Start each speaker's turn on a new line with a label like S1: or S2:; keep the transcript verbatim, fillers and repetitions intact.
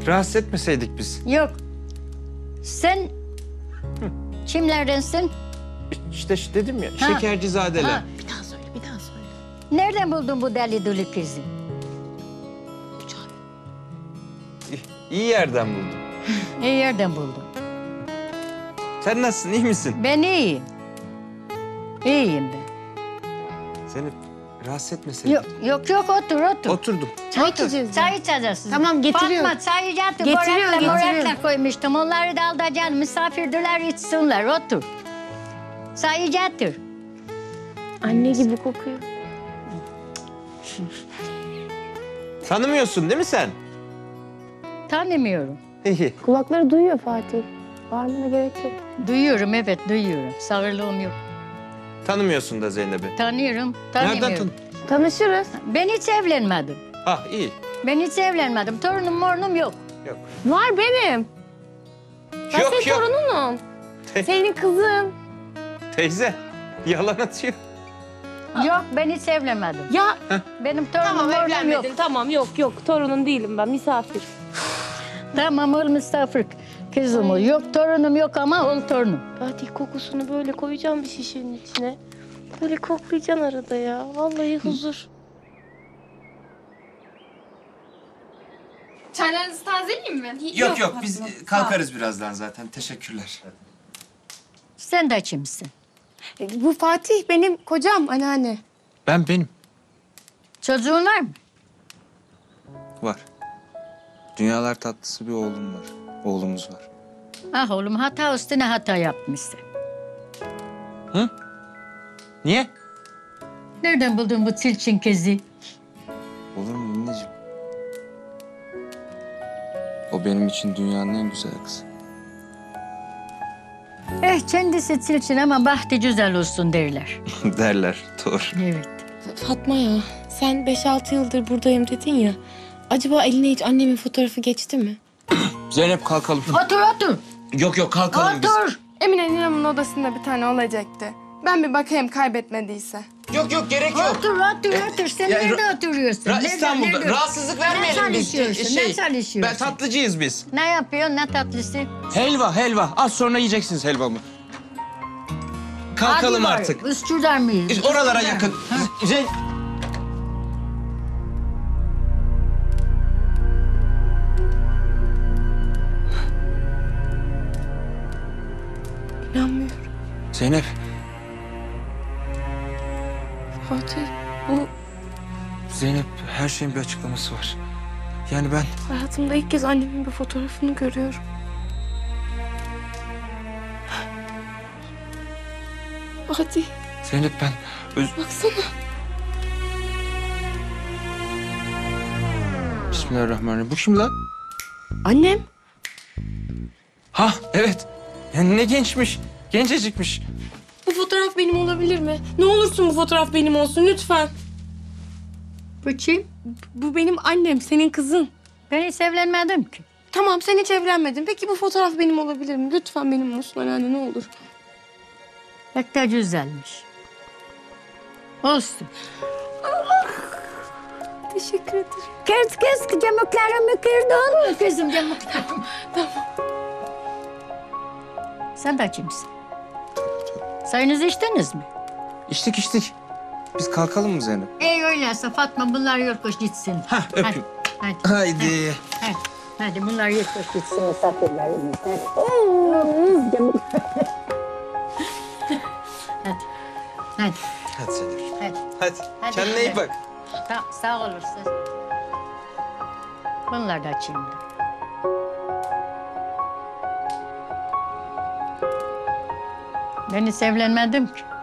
S1: rahatsız etmeseydik biz.
S2: Yok. Sen kimlerdensin?
S1: İşte, işte dedim ya,
S2: Ha.
S1: şekercizadeler.
S2: Ha.
S3: Bir daha söyle, bir daha söyle.
S2: Nereden buldun bu deli dolu kızı?
S1: İyi, iyi yerden buldum.
S2: İyi yerden buldum.
S1: Sen nasılsın, iyi misin?
S2: Ben iyiyim. İyiyim ben.
S1: Seni rahatsız etmeseydik.
S2: Yok yok, yok otur otur.
S1: Oturdum.
S3: Çay
S2: Otur.
S3: içeceğiz.
S2: Çay içeceğiz.
S3: Tamam, getiriyorum.
S2: Fatma çay yiyecekti.
S3: Getiriyor,
S2: Borakla
S3: getiriyor.
S2: morakla koymuştum. Onları da alacaksın. Misafirdiler içsinler. Otur. Çay yiyecektir.
S3: Anne gibi kokuyor.
S1: Tanımıyorsun değil mi sen?
S2: Tanımıyorum.
S1: İyi.
S3: Kulakları duyuyor Fatih. Bağırmana gerek yok.
S2: Duyuyorum, evet duyuyorum. Sağırlığım yok.
S1: Tanımıyorsun da Zeynep'i.
S2: Tanıyorum, tanımıyorum.
S1: Nereden tanı?
S3: Tanışırız.
S2: Ben hiç evlenmedim.
S1: Ah iyi.
S2: Ben hiç evlenmedim. Torunum mornum yok.
S1: Yok.
S3: Var benim. Ben
S1: Yok,
S3: senin
S1: yok.
S3: torununum.
S1: Te-
S3: Senin kızın.
S1: Teyze, yalan atıyor.
S2: Yok, ben hiç evlenmedim.
S3: Ya
S2: Benim torunum
S3: tamam
S2: mornum
S3: evlenmedin.
S2: yok.
S3: Tamam yok yok. Torunun değilim ben. Misafir.
S2: Tamam, ol misafir kızım ol. Yok torunum yok ama ol torunum.
S3: Fatih kokusunu böyle koyacağım bir şişenin içine. Böyle koklayacaksın arada ya. Vallahi huzur.
S4: Çaylarınızı tazeleyeyim mi?
S1: Yok yok, biz kalkarız birazdan zaten. Teşekkürler.
S2: Sen de kimsin?
S5: E, Bu Fatih benim kocam anneanne.
S1: Ben benim.
S2: Çocuğun var mı?
S1: Var. Dünyalar tatlısı bir oğlum var. Oğlumuz var.
S2: Ah oğlum, hata üstüne hata yapmışsın.
S1: Hı? Niye?
S2: Nereden buldun bu çirkin kızı?
S6: Olur mu anneciğim? O benim için dünyanın en güzel kızı.
S2: Eh, kendisi çirkin ama bahtı güzel olsun derler.
S1: Derler, doğru.
S2: Evet.
S5: Fatma ya sen beş altı yıldır buradayım dedin ya. Acaba eline hiç annemin fotoğrafı geçti mi?
S6: Zeynep kalkalım.
S2: Otur otur.
S6: Yok yok kalkalım biz.
S2: Otur.
S7: Emine Ninem'in odasında bir tane olacaktı. Ben bir bakayım kaybetmediyse.
S6: Yok yok gerek yok.
S2: Otur otur otur. Sen
S6: Ya,
S2: nerede oturuyorsun?
S6: Ra-
S2: Nerede,
S6: İstanbul'da.
S2: nerede?
S6: Rahatsızlık
S2: Ne
S6: vermeyelim biz.
S2: çalışıyorsun? Ne çalışıyorsun?
S1: Ben tatlıcıyız biz.
S2: Ne yapıyorsun? Ne tatlısı?
S6: Helva helva. Az sonra yiyeceksiniz helvamı. Kalkalım
S2: Hadi var.
S6: artık.
S2: Üsküdar mıyız?
S6: Biz oralara
S2: Üsküdar.
S6: yakın.
S2: Ha.
S6: Zeyn...
S5: İnanmıyorum.
S6: Zeynep.
S5: Fatih bu
S6: Zeynep her şeyin bir açıklaması var. Yani ben
S5: hayatımda ilk kez annemin bir fotoğrafını görüyorum. Fatih
S6: Zeynep ben öz...
S5: baksana.
S6: Bismillahirrahmanirrahim. Bu kim lan?
S5: Annem.
S6: Ha evet. Yani ne gençmiş. Gencecikmiş.
S5: Bu fotoğraf benim olabilir mi? Ne olursun bu fotoğraf benim olsun lütfen.
S2: Bu kim?
S5: Bu benim annem, senin kızın.
S2: Ben hiç evlenmedim ki.
S5: Tamam sen hiç evlenmedin. Peki bu fotoğraf benim olabilir mi? Lütfen benim olsun anneanne ne olur.
S2: Pek de güzelmiş. Olsun.
S5: Teşekkür ederim.
S2: Kız kız camuklarımı kırdın mı kızım camuklarımı?
S5: Tamam.
S2: Sen de kimsin? Sayınızı içtiniz mi?
S6: İçtik içtik. Biz kalkalım mı Zeynep?
S2: Ey öyleyse Fatma bunlar yorkoş gitsin.
S6: Hah öpeyim.
S2: Hadi, hadi,
S6: Haydi.
S2: hadi, hadi bunlar yorkoş gitsin misafirlerimiz. Hadi. Hadi. Hadi.
S1: Hadi Zeynep.
S2: Hadi.
S1: Hadi.
S2: Hadi.
S1: Kendine iyi bak.
S2: Tamam, sağ olasın. Bunlar da şimdi. Ben hiç evlenmedim ki.